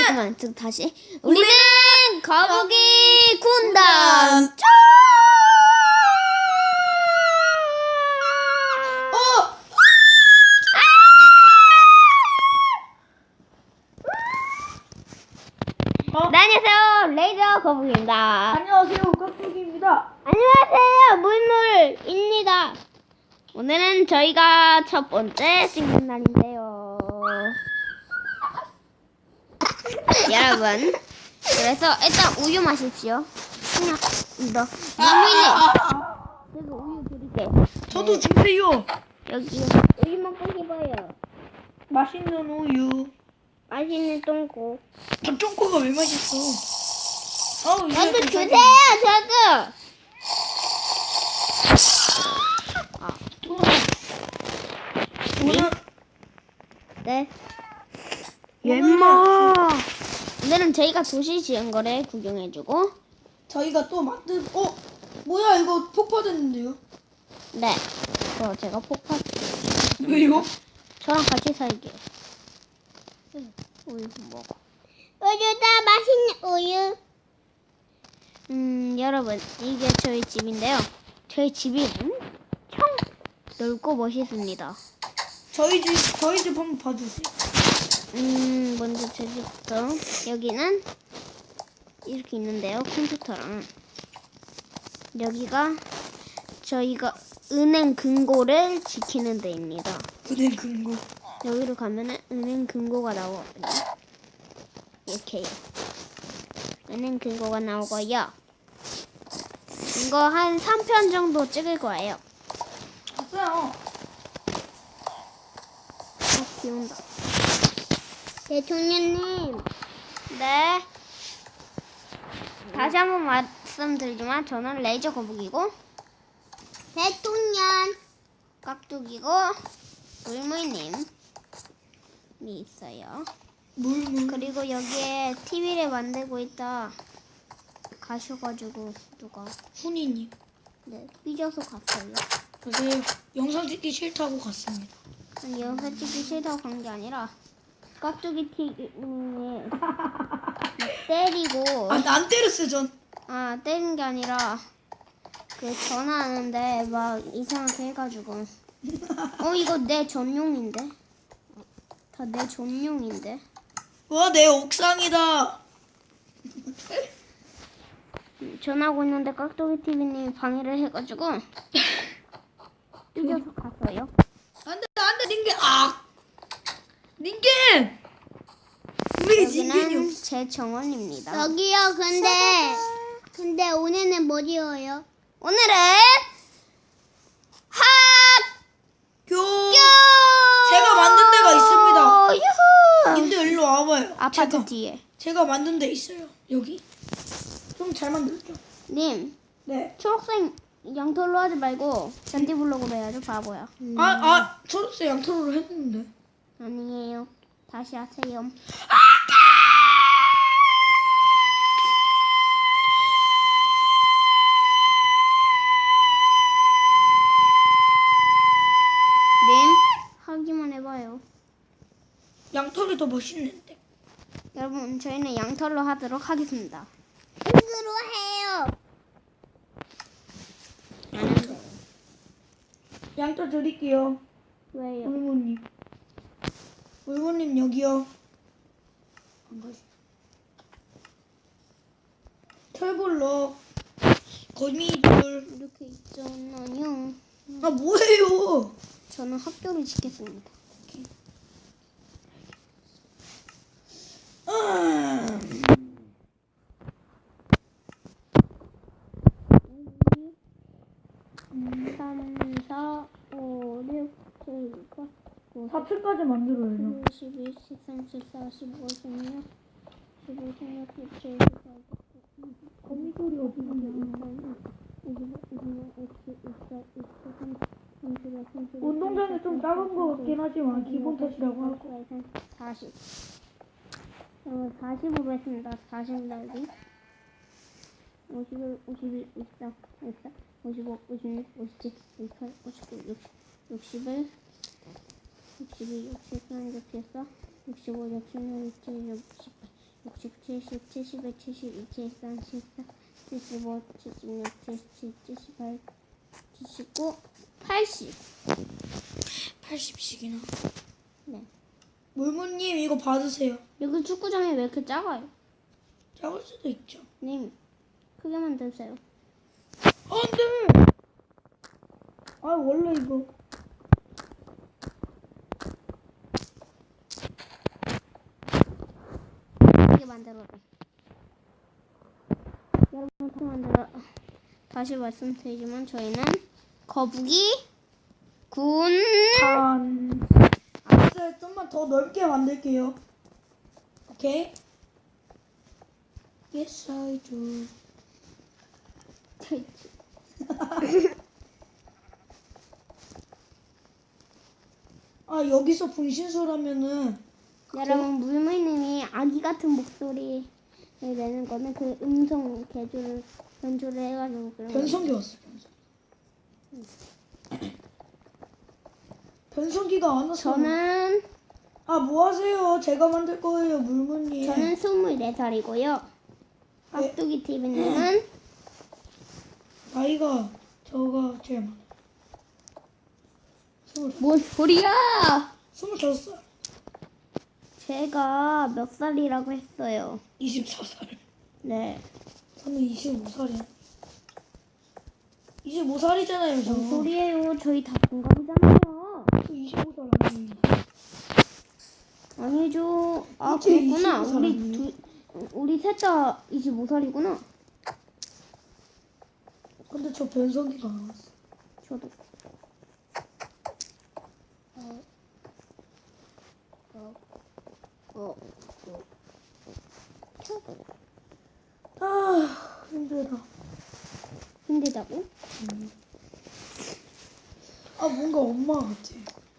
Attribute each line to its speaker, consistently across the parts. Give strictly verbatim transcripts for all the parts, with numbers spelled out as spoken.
Speaker 1: 잠깐만, 저 다시. 우리는 거북이 군단.
Speaker 2: 어! 어?
Speaker 1: 네, 안녕하세요. 레이저 거북이입니다.
Speaker 2: 안녕하세요, 깍두기입니다.
Speaker 1: 안녕하세요. 물물입니다. 오늘은 저희가 첫 번째 찍는 날인데요. 여러분, 그래서 일단 우유 마십시오. 그냥 너 물물님, 제가 우유 드릴게.
Speaker 2: 저도 주세요.
Speaker 1: 여기 우유만 끓여봐요.
Speaker 2: 맛있는 우유.
Speaker 1: 맛있는 똥꼬.
Speaker 2: 닭종코가 왜 맛있어? 아우, 이거
Speaker 1: 저도
Speaker 2: 좀
Speaker 1: 주세요. 저도. 아,
Speaker 2: 오늘
Speaker 1: 네.
Speaker 2: 엠마.
Speaker 1: 오늘은 저희가 도시 지은 거를 구경해주고,
Speaker 2: 저희가 또 만든 어 뭐야 이거 폭파됐는데요?
Speaker 1: 네. 그거 제가 폭파.
Speaker 2: 왜요?
Speaker 1: 저랑 같이 살게요. 우유 먹어. 우유다 맛있는 우유. 음 여러분 이게 저희 집인데요. 저희 집이 엄청 넓고 멋있습니다.
Speaker 2: 저희 집 저희 집 한번 봐주세요.
Speaker 1: 음 먼저 제 집부터 여기는 이렇게 있는데요. 컴퓨터랑 여기가 저희가 은행 금고를 지키는 데입니다.
Speaker 2: 은행 금고.
Speaker 1: 여기로 가면은 은행 금고가 나오거든요. 이렇게요. 은행 금고가 나오고요. 이거 한 삼 편 정도 찍을 거예요.
Speaker 2: 봤어요.
Speaker 1: 아, 비 온다. 대통령님. 네. 다시 한번 말씀드리지만 저는 레이저 거북이고 대통령 깍두기고 물물님이 있어요.
Speaker 2: 물물.
Speaker 1: 그리고 여기에 티비를 만들고 있다 가셔가지고 누가
Speaker 2: 훈이님.
Speaker 1: 네 삐져서 갔어요.
Speaker 2: 맞아요. 영상 찍기 싫다고 갔습니다.
Speaker 1: 아니 영상 찍기 싫다고 간 게 아니라 깍두기 티비에 때리고
Speaker 2: 아, 난 때렸어요 전.
Speaker 1: 아 때린 게 아니라 그 전화하는데 막 이상하게 해가지고 어 이거 내 전용인데 다 내 전용인데
Speaker 2: 와, 내 옥상이다.
Speaker 1: 전화하고 있는데 깍두기 티비님이 방해를 해가지고 삐져서 갔어요.
Speaker 2: 안돼 안돼 닌겐 아 닌겐 우리 닌겐이
Speaker 1: 여기는
Speaker 2: 없어.
Speaker 1: 제 정원입니다.
Speaker 3: 여기요. 근데 근데 오늘은 뭐 지어요?
Speaker 1: 오늘은 학교
Speaker 2: 교 제가 만든 데가 있습니다.
Speaker 1: 유후
Speaker 2: 님들 일로 와봐요.
Speaker 1: 아파트
Speaker 2: 제가,
Speaker 1: 뒤에
Speaker 2: 제가 만든 데 있어요. 여기 좀 잘 만들었죠?
Speaker 1: 님
Speaker 2: 네.
Speaker 1: 초록색 양털로 하지 말고 잔디 블록으로 해야죠. 바보야.
Speaker 2: 아, 아, 초록색 양털로 했는데.
Speaker 1: 아니에요. 다시 하세요. 님 하기만 해봐요.
Speaker 2: 양털이 더 멋있는데.
Speaker 1: 여러분 저희는 양털로 하도록 하겠습니다.
Speaker 3: 으로 해요.
Speaker 1: 안 돼요.
Speaker 2: 양털 드릴게요.
Speaker 1: 왜요?
Speaker 2: 물무님. 물무님 여기요. 안 가시. 털볼록. 거미줄.
Speaker 1: 이렇게 있잖아요.
Speaker 2: 아, 뭐예요?
Speaker 1: 저는 학교를 지켰습니다.
Speaker 2: 아.
Speaker 1: 삼, 사, 오, 육, 칠, 팔, 구,
Speaker 2: 사 층까지 만들어요.
Speaker 1: 십일, 십삼, 십사, 십오, 십육, 십오, 십육, 십칠, 십팔, 십구,
Speaker 2: 거미줄이 어디 있냐? 운동장이 좀 작은 것 같긴 하지만 기본 탓이라고 하고.
Speaker 1: 사십. 어, 사십으로 했습니다. 사십 날리. 오십일, 오십일, 오십삼, 오십사, 오십오, 오십육, 오십칠, 오십팔, 오십구, 육십, 육십일, 육십이, 육십삼, 육십사, 육십오, 육십육, 육십칠, 육십팔, 육십, 칠십, 칠십일, 칠십이, 칠십삼, 칠십사, 칠십오, 칠십육, 칠십칠, 칠십팔, 칠십구, 팔십.
Speaker 2: 팔십씩이나.
Speaker 1: 네.
Speaker 2: 물무님 이거 받으세요.
Speaker 1: 여기 축구장이 왜 이렇게 작아요?
Speaker 2: 작을 수도 있죠.
Speaker 1: 님, 크게 만드세요.
Speaker 2: 안돼. 아 원래 이거.
Speaker 1: 크게 만들어라. 여러분, 크게 만들어. 다시 말씀드리지만 저희는 거북이 군.
Speaker 2: 단. 알았어요. 좀만 더 넓게 만들게요. 오케이. Yes I do. 아 여기서 분신술하면은
Speaker 1: 여러분, 물물님이 아기 같은 목소리를 내는 거는 그 음성 개조를 변조를 해가지고 그런
Speaker 2: 변성기 왔어. 변성기. 변성기가 안 왔어.
Speaker 1: 저는
Speaker 2: 아 뭐 하세요? 제가 만들 거예요, 물무님.
Speaker 1: 저는 스물네 살이고요.
Speaker 2: 네.
Speaker 1: 깍두기 티비님은
Speaker 2: 나이가 저가 제일 많아요. 스물
Speaker 1: 뭔 소리야?
Speaker 2: 스물다섯 살.
Speaker 1: 제가 몇 살이라고 했어요.
Speaker 2: 이십사 살.
Speaker 1: 네.
Speaker 2: 저는 이십오 살이야. 이십오 살이잖아요, 저.
Speaker 1: 뭔 소리예요? 저희 다 동갑이잖아요.
Speaker 2: 저 이십오 살 아니에요.
Speaker 1: 아니죠. 아,
Speaker 2: 어째
Speaker 1: 그렇구나.
Speaker 2: 이십오 살
Speaker 1: 우리
Speaker 2: 아니에요?
Speaker 1: 두 우리 셋 다 이십오 살이구나.
Speaker 2: 근데 저 변성기가 안 왔어.
Speaker 1: 저도. 어.
Speaker 2: 아 힘들어.
Speaker 1: 힘들다고?
Speaker 2: 아 뭔가 엄마 같아.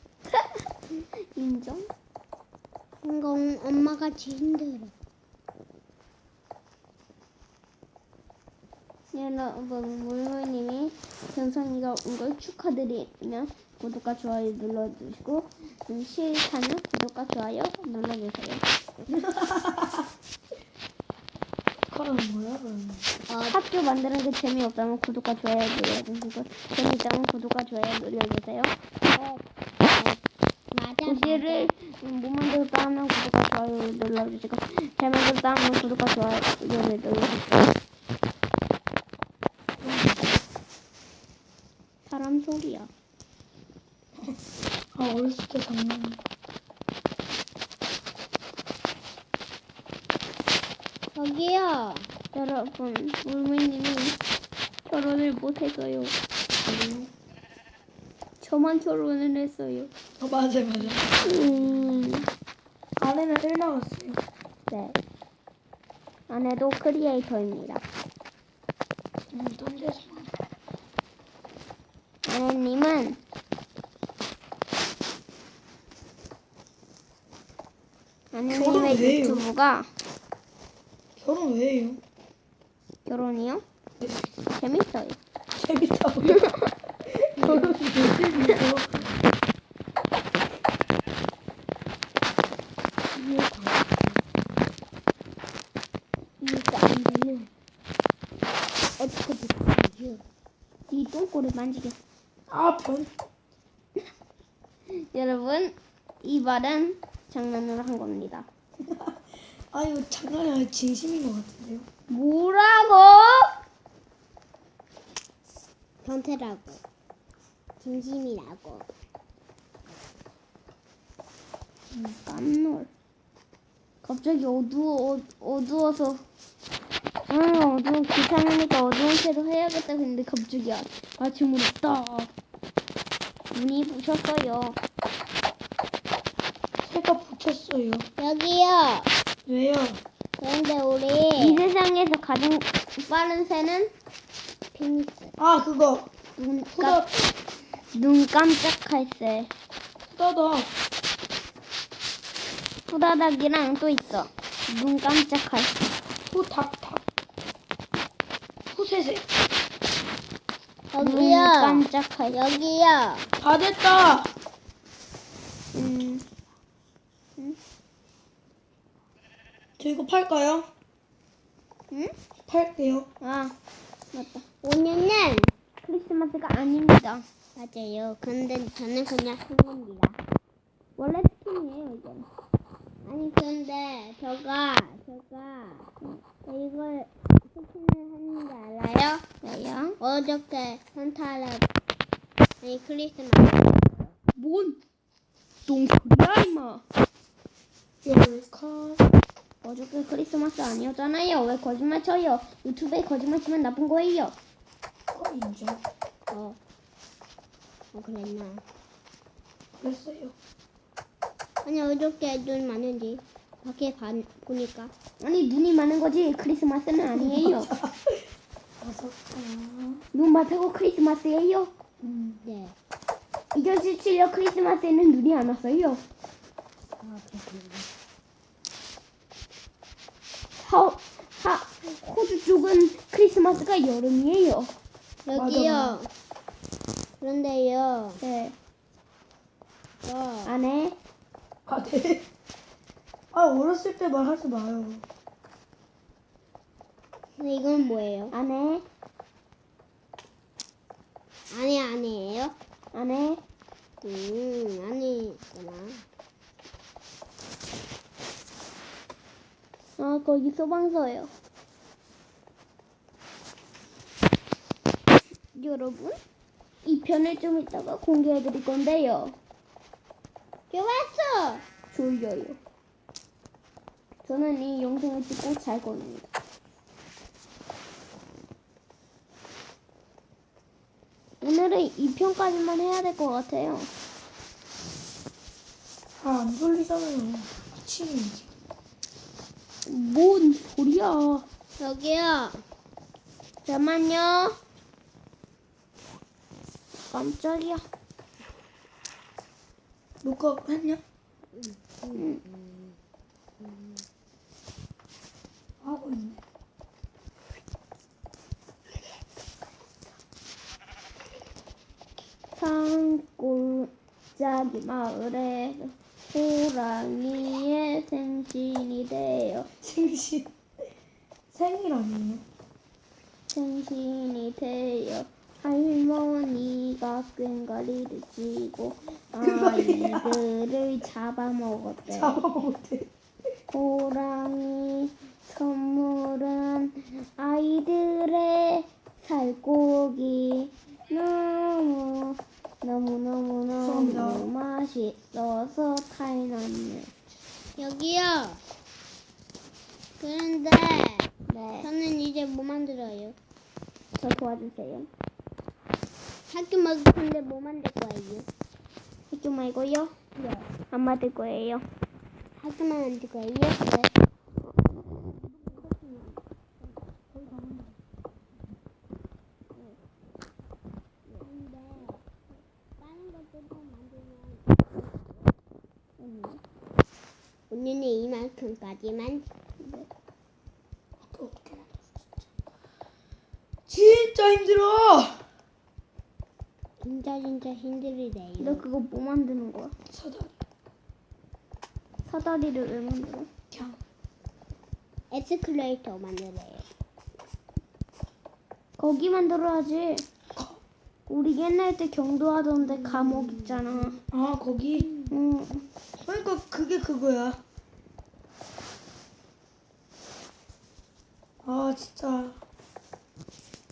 Speaker 1: 인정?
Speaker 3: 뭔가 엄마가 제일 힘들어.
Speaker 1: 여러분, 물물님이 변성이가 온 걸 축하드리며 구독과 좋아요 눌러주시고 음, 싫다면 구독과 좋아요 눌러주세요.
Speaker 2: 카라는 뭐야, 그러면?
Speaker 1: 학교 만드는 게 재미없다면 구독과 좋아요 눌러주시고 재미있다면 구독과 좋아요 눌러주세요.
Speaker 3: 어, 맞아,
Speaker 1: 도시를 음, 못 만들었다 하면 구독과 좋아요 눌러주시고 잘 만들었다 하면 구독과 좋아요 눌러주세요. 사람 소리야.
Speaker 2: 아 어렸을 때 장난.
Speaker 3: 여기요.
Speaker 1: 여러분, 물물님이 결혼을 못했어요. 저만 결혼을 했어요.
Speaker 2: 어 맞아 맞아.
Speaker 1: 음,
Speaker 2: 아내는 일 나왔어요.
Speaker 1: 네. 아내도 크리에이터입니다.
Speaker 2: 음 던져서.
Speaker 1: 아내님은 아내님의
Speaker 2: 결혼 왜 해요?
Speaker 1: 유튜브가
Speaker 2: 결혼 왜 해요?
Speaker 1: 결혼이요? 재밌어요.
Speaker 2: 재밌다고요? 결혼이 왜 재밌어?
Speaker 3: 이해가 안 되면 어떻게 됐어요?
Speaker 1: 네 똥꼬를 만지겠어.
Speaker 2: 아 변.
Speaker 1: 여러분, 이 말은 장난으로 한 겁니다.
Speaker 2: 아 이거 장난이 아니라 진심인 것 같은데요?
Speaker 1: 뭐라고?
Speaker 3: 변태라고. 진심이라고.
Speaker 1: 깜놀. 갑자기 어두워, 어, 어두워서. 응, 어두워. 귀찮으니까 어두운 채로 해야겠다 했는데 갑자기 아, 아침으로 딱. 눈이 부셨어요.
Speaker 2: 새가 붙였어요.
Speaker 3: 여기요.
Speaker 2: 왜요?
Speaker 3: 그런데
Speaker 1: 이
Speaker 3: 우리
Speaker 1: 세상에서 가장 빠른 새는
Speaker 3: 핑크.
Speaker 2: 아 그거
Speaker 1: 눈,
Speaker 2: 후다
Speaker 1: 깜, 눈 깜짝할 새.
Speaker 2: 후다다.
Speaker 1: 후다닥이랑 또 있어. 눈 깜짝할 새.
Speaker 2: 후닥닥. 후세세.
Speaker 1: 눈
Speaker 3: 여기요.
Speaker 1: 깜짝할 새.
Speaker 3: 여기요.
Speaker 2: 다 됐다.
Speaker 1: 음,
Speaker 2: 저 이거 팔까요?
Speaker 3: 응?
Speaker 2: 팔게요.
Speaker 1: 아, 맞다.
Speaker 3: 오늘은
Speaker 1: 크리스마스가 아닙니다.
Speaker 3: 맞아요. 근데 저는 그냥 산 겁니다.
Speaker 1: 원래 스킨이에요, 이건.
Speaker 3: 아니 근데 저가 저가 이걸 스킨을 하는 게 알아요?
Speaker 1: 왜요?
Speaker 3: 어저께 산타를 아니 크리스마스
Speaker 1: 뭔 똥소리야, 임마.
Speaker 2: 열카.
Speaker 1: 어저께 크리스마스 아니었잖아요. 왜 거짓말 쳐요? 유튜브에 거짓말 치면 나쁜 거예요.
Speaker 2: 어, 인정.
Speaker 3: 어, 어 그랬나?
Speaker 2: 그랬어요.
Speaker 3: 아니 어저께 눈 많은지 밖에 봐, 보니까
Speaker 1: 아니, 눈이 많은 거지. 크리스마스는 아니에요.
Speaker 2: 다섯. 아,
Speaker 1: 눈 많다고 크리스마스예요?
Speaker 2: 음.
Speaker 3: 네.
Speaker 1: 이천십칠 년 크리스마스에는 눈이 안 왔어요.
Speaker 3: 아 그렇군요.
Speaker 1: 하, 하, 호주 쪽은 크리스마스가 여름이에요.
Speaker 3: 여기요.
Speaker 2: 맞아.
Speaker 3: 그런데요.
Speaker 1: 네.
Speaker 3: 저
Speaker 1: 안에
Speaker 2: 아, 네. 아, 어렸을 때 말하지 마요.
Speaker 3: 근데 이건 뭐예요?
Speaker 1: 안에
Speaker 3: 아니 아니에요?
Speaker 1: 안에
Speaker 3: 음 아니구나.
Speaker 1: 아 거기 소방서예요. 여러분 이 편을 좀 이따가 공개해 드릴 건데요.
Speaker 3: 좋았어.
Speaker 1: 졸려요. 저는 이 영상을 찍고 잘 겁니다. 오늘은 이 편까지만 해야 될 것 같아요.
Speaker 2: 아, 안 졸리잖아요. 아침이지.
Speaker 1: 뭔 소리야?
Speaker 3: 여기요.
Speaker 1: 잠깐만요. 깜짝이야.
Speaker 2: 녹화 했냐?
Speaker 1: 음.
Speaker 2: 하고 있네.
Speaker 1: 산골짜기 마을에 호랑이의 생신이 돼요.
Speaker 2: 생신. 생일 아니에요?
Speaker 1: 생신이 돼요. 할머니가 꽹과리를 쥐고
Speaker 2: 그거야.
Speaker 1: 아이들을 잡아먹었대.
Speaker 2: 잡아먹었대.
Speaker 1: 호랑이 선물은 아이들의 살코기 너무 너무 너무 너무
Speaker 2: 감사합니다.
Speaker 1: 맛있어서 타이났네.
Speaker 3: 여기요. 그런데
Speaker 1: 네,
Speaker 3: 저는 이제 뭐 만들어요?
Speaker 1: 저 도와주세요.
Speaker 3: 학교 먹을 건데 뭐 만들 거예요?
Speaker 1: 학교 말고요?
Speaker 3: 네.
Speaker 1: 안 만들 거예요.
Speaker 3: 학교만 만들 거예요?
Speaker 1: 네.
Speaker 3: 근데 다른 것들도 만들면 오늘은 이만큼까지만.
Speaker 2: 학교 어떻게 만들었어, 진짜. 진짜 힘들어.
Speaker 3: 진짜 진짜
Speaker 1: 너
Speaker 3: 힘들이래요.
Speaker 1: 그거 뭐 만드는 거야?
Speaker 2: 사다리.
Speaker 1: 사다리를 왜 만들어?
Speaker 2: 그냥.
Speaker 3: 에스컬레이터 만들래요.
Speaker 1: 거기 만들어야지.
Speaker 2: 거.
Speaker 1: 우리 옛날 때 경도하던데 감옥 있잖아.
Speaker 2: 아, 거기.
Speaker 1: 응.
Speaker 2: 그러니까 그게 그거야. 아, 진짜.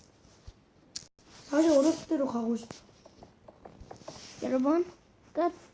Speaker 2: 다시 어렸을 때로 가고 싶어.
Speaker 1: 여러분 끝.